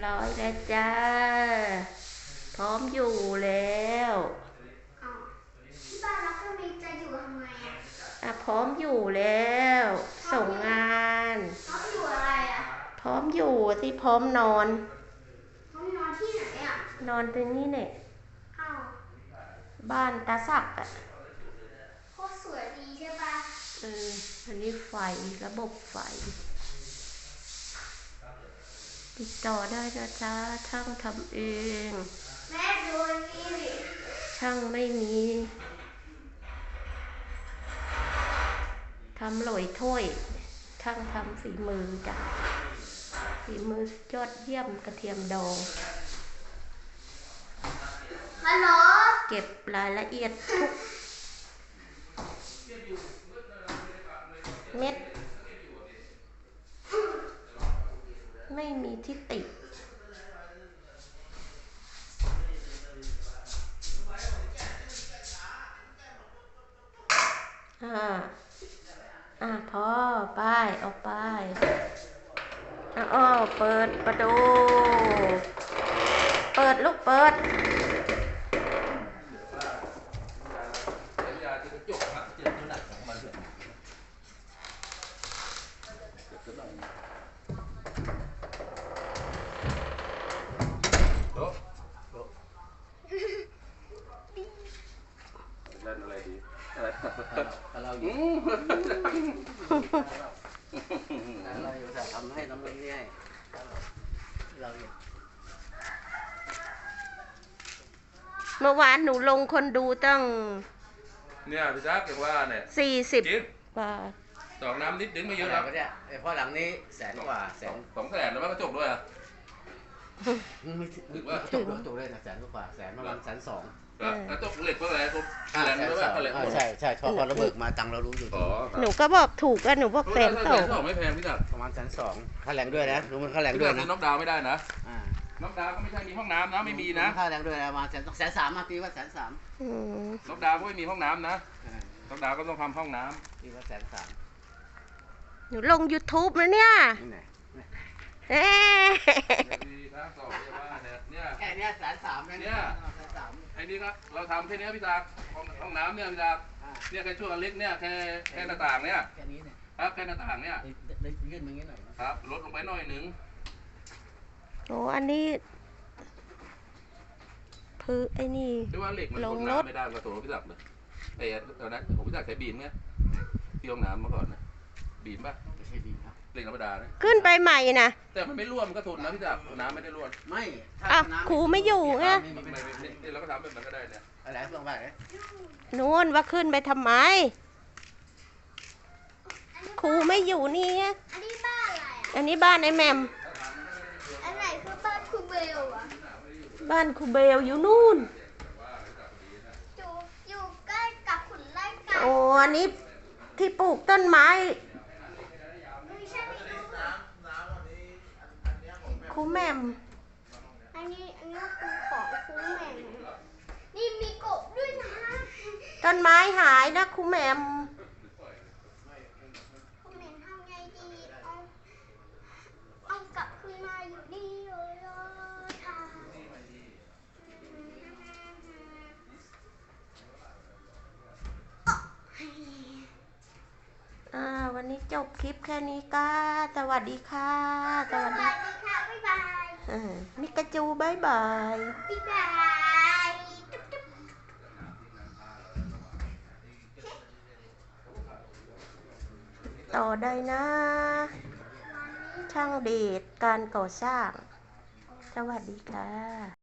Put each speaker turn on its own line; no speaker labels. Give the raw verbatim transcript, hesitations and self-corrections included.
ร้อยแล้วจ้าพร้อมอยู่แล้ว
อ้าวที่บ้านรักก็มีจะอยู่ทำไมอ่ะ
อ่ะพร้อมอยู่แล้วส่งงาน
พร้อมอยู่อะไรอ่ะ
พร้อมอยู่ที่พร้อมนอน
พร้อมนอนที่ไหนอ่ะ
นอนตรงนี้เนี่ย
อ้าว
บ้านตาสักอ่ะ
โคตรสวยดีใช่ปะ
เอออันนี้ไฟระบบไฟติดต่อได้นะจ๊ะช่างทำเอง
แม่ดูนี่ดิ
ช่างไม่มีทำหลอยถ้วยช่างทำฝีมือจ้ะฝีมือยอดเยี่ยมกระเทียมดอง
ฮัลโหล
เก็บรายละเอียดทุกเม็ดไม่มีที่ติอ่าอ่าพอไปออกไปอ้าวเปิดประตูเปิดลูกเปิด
เล่นอะไรดีอะไร
เราอยู่เราอยู่แต่ทำให้น้ำมันนี่ให้เราอยู่
เมื่อวานหนูลงคนดูตั้ง
เนี่ยพี่จักอย่างว่าเนี่ย
สี่สิบบาท
ดอกน้ำนิดดึงไม่เยอะ
ครั
บ
เนี่ยเพราะหลังนี้แสนกว่าแสน
สองแสนแล้วมันกระจกด้วยอ่ะ
ไม่ถึงว่ากระจกกระจกเลยนะแสนกว่าแสนประมาณแสนสอง
กระจกเหล็กเมื่อไรผมแสนไม่ว่าเหล็ก
ใช่ใช่พอพอระเบิดมาตังเรารู้อยู่
หนูก็บอกถูกอะหนูบอกแสนสอง
ไม่แพงพี่จัก
ประมาณแสนสองค่าแรงด้วยนะรู้มันค่าแรงด้วยนะ
น็อกดาวไม่ได้นะน็อกดาวก็ไม่ใช่มีห้องน้ำนะไม่มีนะ
ค่าแรงด้วยนะมาแสนแสนสามมาตีว่าแสนสาม
น็อกดาวก็ไม่มีห้องน้ำนะน็อกดาวก็ต้องทำห้องน้
ำตีว่าแสนสาม
หนูลง ยูทูบ นะเนี่ยเอ๊ะ
แค่นี้แสนสาม
เนี่ยไอ้นี่ครับเราทำแค่นี้พี่จักห้องน้ำเนี่ยพี่จักเนี่ยแค่ช่วงเล็กเนี่ยแค่แค่หน้าต่างเนี่ย
แค่นี้เนี่ย
ครับแค่หน้าต่างเนี่ย
ยื่นมางี้หน่อย
ครับลดลงไปหน่อยหนึ่ง
โอ้อันนี้พื้นไอ้นี่
ที่ว่าเหล็กมันลงน้ำไม่ได้กระตัวพี่จักเลยไอ้ตอนนั้นผมพี่จักใช้บีมเนี่ยที่ห้องน้ำเมื่อก่อนนะบีมป่ะ
ไม่ใช่บีมครับ
เหล็กธรรมดานะ
ขึ้นไปใหม่นะ
แต่มันไม่ร่วมก็ทนนะพี่จักน้ำไม่ได้ร่วม
ไม่
อ่ะครูไม่อยู่ไง
เราก็ทำแบบนั้นก็ได้เนี่ย
อะไรเพื่อนบ้านเนี่ย
นู่นว่าขึ้นไปทำไมครูไม่อยู่นี่
อันนี้บ้านอะไรอ่ะ
อันนี้บ้านไอ้แมม
อันไหนคือบ้านครูเบลอ่ะ
บ้านครูเบลอยู่นู่น
อยู่อยู่ใกล้กับขุนไล่ไก่
โอ้อันนี้ที่ปลูกต้นไม้ครูแมม
อันนี้อันนี้คือของครูแมมนี่มีกบด้วยนะ
ต้นไม้หายนะครูแมม
ครูแมมทำไงดีเอาเอากลับคืนมาอยู่นี่เลยค่ะ
อ่าวันนี้จบคลิปแค่นี้ก็สวัสดีค่ะ
สวัสดีค่ะบ๊ายบาย
มิกาจูบายบาย
บ๊ายบาย
ต่อได้นะช่างเดชการก่อสร้างสวัสดีค่ะ